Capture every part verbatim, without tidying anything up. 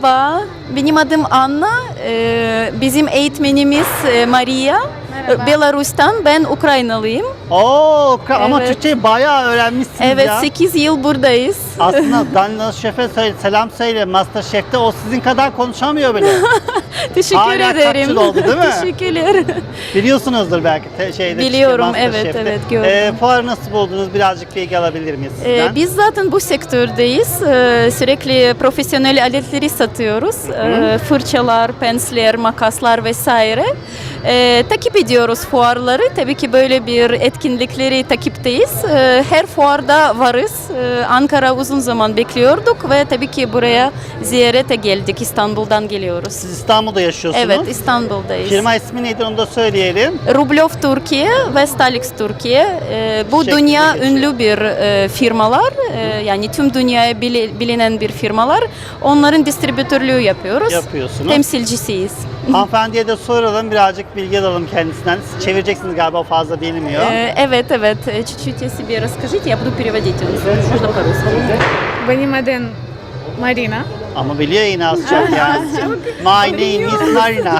Merhaba, benim adım Anna. Ee, bizim eğitmenimiz e, Maria. Merhaba. Belarus'tan, ben Ukraynalıyım. Oo, Ukra- ama Evet. Türkçeyi bayağı öğrenmişsiniz Evet, ya. sekiz yıl buradayız. Aslında Danilo Şef'e söyle, selam söyle. Masterchef'te o sizin kadar konuşamıyor bile. Teşekkür Hala kaç ederim. yıl oldu, değil mi? Teşekkürler. Biliyorsunuzdur belki te- şeyde. Biliyorum, işte evet, Masterchef'te. evet, gördüm. Ee, fuarı nasıl buldunuz? Birazcık bilgi alabilir miyiz sizden? Ee, biz zaten bu sektördeyiz. Ee, sürekli profesyonel aletleri satıyoruz. Ee, fırçalar, pensler, makaslar vesaire. Ee, takip ediyoruz fuarları. Tabii ki böyle bir etkinlikleri takipteyiz. Ee, her fuarda varız. Ee, Ankara uzun zaman bekliyorduk ve tabii ki buraya ziyarete geldik. İstanbul'dan geliyoruz. Siz İstanbul'da yaşıyorsunuz. Evet, İstanbul'dayız. Firma ismi neydi onu da söyleyelim. Rublov Türkiye ve Stalix Türkiye. Ee, bu Şeklinde dünya geçiyor. ünlü bir e, firmalar. Ee, yani tüm dünyaya bili- bilinen bir firmalar. Onların distribütörlüğü yapıyoruz. Yapıyorsunuz. Temsilcisiyiz. Hanımefendiye de soralım, birazcık bilgi alalım kendisinden. Siz çevireceksiniz galiba, o fazla bilmiyor. Ee, evet, evet. Э, Чуть-чуть о себе расскажите, я буду переводить. Можно по-русски. Benim adım Marina. Ama biliyor yine az çok yani. My name is Marina.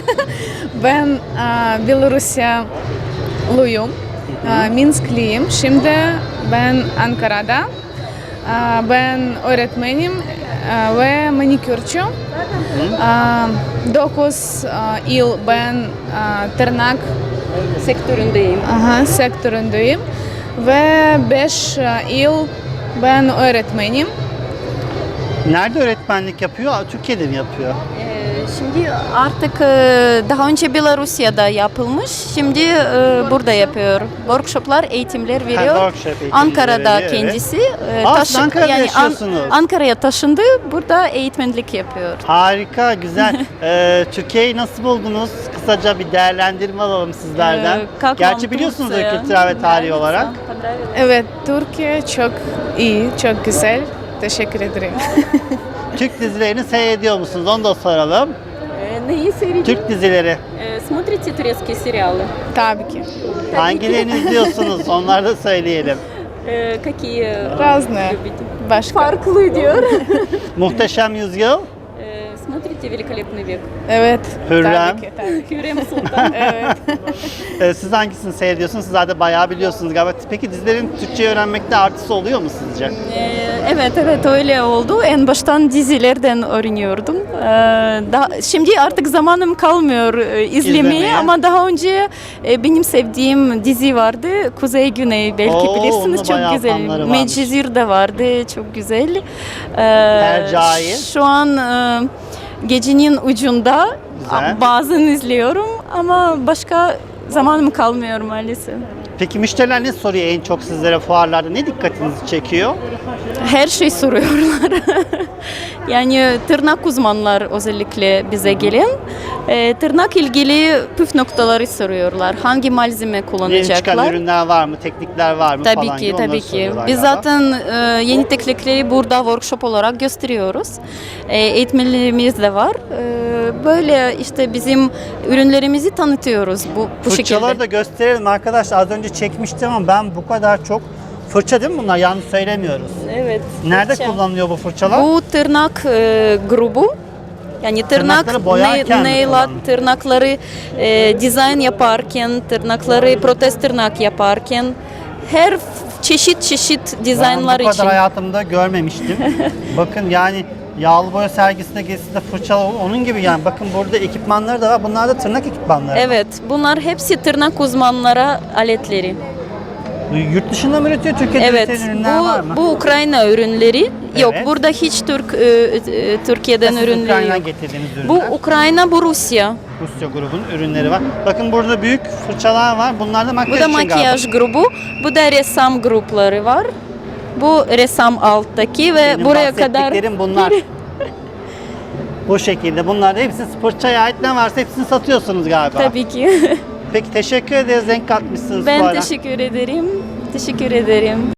Ben e, Belarusluyum. E, Minskliyim. Şimdi ben Ankara'da. E, ben öğretmenim e, ve manikürcü. E, dokuz e, yıl ben e, tırnak Sektöründeyim. aha, sektöründeyim. Ve beş e, yıl ben öğretmenim. Nerede öğretmenlik yapıyor? Türkiye'de mi yapıyor? Ee, Şimdi artık e, daha önce Belarusya'da yapılmış. Şimdi e, burada yapıyor. Workshoplar, eğitimler veriyor. workshop eğitimleri Ankara'da veriyor, evet. kendisi. e, Aa, taşı- siz Ankara'da An- yaşıyorsunuz. Ankara'ya taşındı. Burada eğitmenlik yapıyor. Harika, güzel. Ee, Türkiye'yi nasıl buldunuz? Kısaca bir değerlendirme alalım sizlerden. Ee, как Gerçi вам biliyorsunuz Турция? kültürel ve tarihi Nравится? olarak. Понравилось? Evet, Türkiye çok iyi, çok güzel. Teşekkür ederim. Türk dizilerini seyrediyor musunuz? Onu da soralım. Ee, Neyi seyrediyorsun? Türk dizileri. Ee, Смотрите турецкие сериалы? Tabii ki. Hangilerini izliyorsunuz? Onları da söyleyelim. Ee, Какие Разные. любите? Başka. Farklı diyor. Muhteşem Yüzyıl. Ee, Смотрите Великолепный век. Evet. Hürrem. Tabii ki, tabii ki. Hürrem Sultan. Evet. Ee, siz hangisini seyrediyorsunuz? Siz zaten bayağı biliyorsunuz galiba. Peki dizilerin Türkçe öğrenmekte artısı oluyor mu sizce? Ee, evet evet öyle oldu. En baştan dizilerden öğreniyordum. Ee, daha, şimdi artık zamanım kalmıyor e, izlemeye, İzlemeye. ama daha önce e, benim sevdiğim dizi vardı. Kuzey Güney, belki Oo, bilirsiniz, onun da bayağı çok güzel. fanları varmış. Medcezir de vardı, çok güzel. Ee, Hercai. Şu an e, gecenin ucunda Güzel. bazen izliyorum ama başka zamanım kalmıyor maalesef. Peki müşteriler ne soruyor en çok sizlere fuarlarda? Ne dikkatinizi çekiyor? Her şey soruyorlar. Yani tırnak uzmanlar özellikle bize gelen e, tırnak ilgili püf noktaları soruyorlar. Hangi malzeme Yeni çıkan kullanacaklar? ürünler var mı? Teknikler var mı Tabii falan ki, gibi onları tabii ki. soruyorlar Biz galiba. zaten e, yeni teknikleri burada workshop olarak gösteriyoruz. E, eğitmenlerimiz de var. E, böyle işte bizim ürünlerimizi tanıtıyoruz bu, bu Fırçaları şekilde. da gösterelim arkadaşlar. Az önce çekmiştim ama ben bu kadar çok fırça değil mi bunlar? Yanlış söylemiyoruz. Evet. Nerede fırça. kullanılıyor bu fırçalar? Bu tırnak e, grubu. Yani tırnak, Tırnakları boyarken mi nail art, kullanılıyor? tırnakları e, dizayn yaparken, tırnakları protez tırnak yaparken her f- çeşit çeşit dizaynlar Ben bu kadar için. hayatımda görmemiştim. Bakın yani yağlı boya sergisinde gezisinde fırça onun gibi yani. Bakın burada ekipmanları da var. Bunlar da tırnak ekipmanları. Evet, bunlar hepsi tırnak uzmanlara aletleri. Yurt dışında mı üretiyor? Türkiye'de Evet, üretilen ürünler var mı? bu bu Ukrayna ürünleri. Yok, Evet. burada hiç Türk e, e, Türkiye'den Siz ürünleri Ukrayna'dan yok. getirdiğiniz ürünler. Bu Ukrayna, bu Rusya. Rusya grubun ürünleri var. Bakın burada büyük fırçalar var. Bunlar da makyaj Bu da için galiba. makyaj grubu. Bu da ressam grupları var. Bu ressam alttaki ve Benim buraya kadar bahsettiklerim bunlar. Bu şekilde. Bunlar da hepsi fırçaya ait ne varsa hepsini satıyorsunuz galiba. tabii ki. Peki teşekkür ederiz. Renk katmışsınız bu Ben ara. teşekkür ederim. Teşekkür ederim.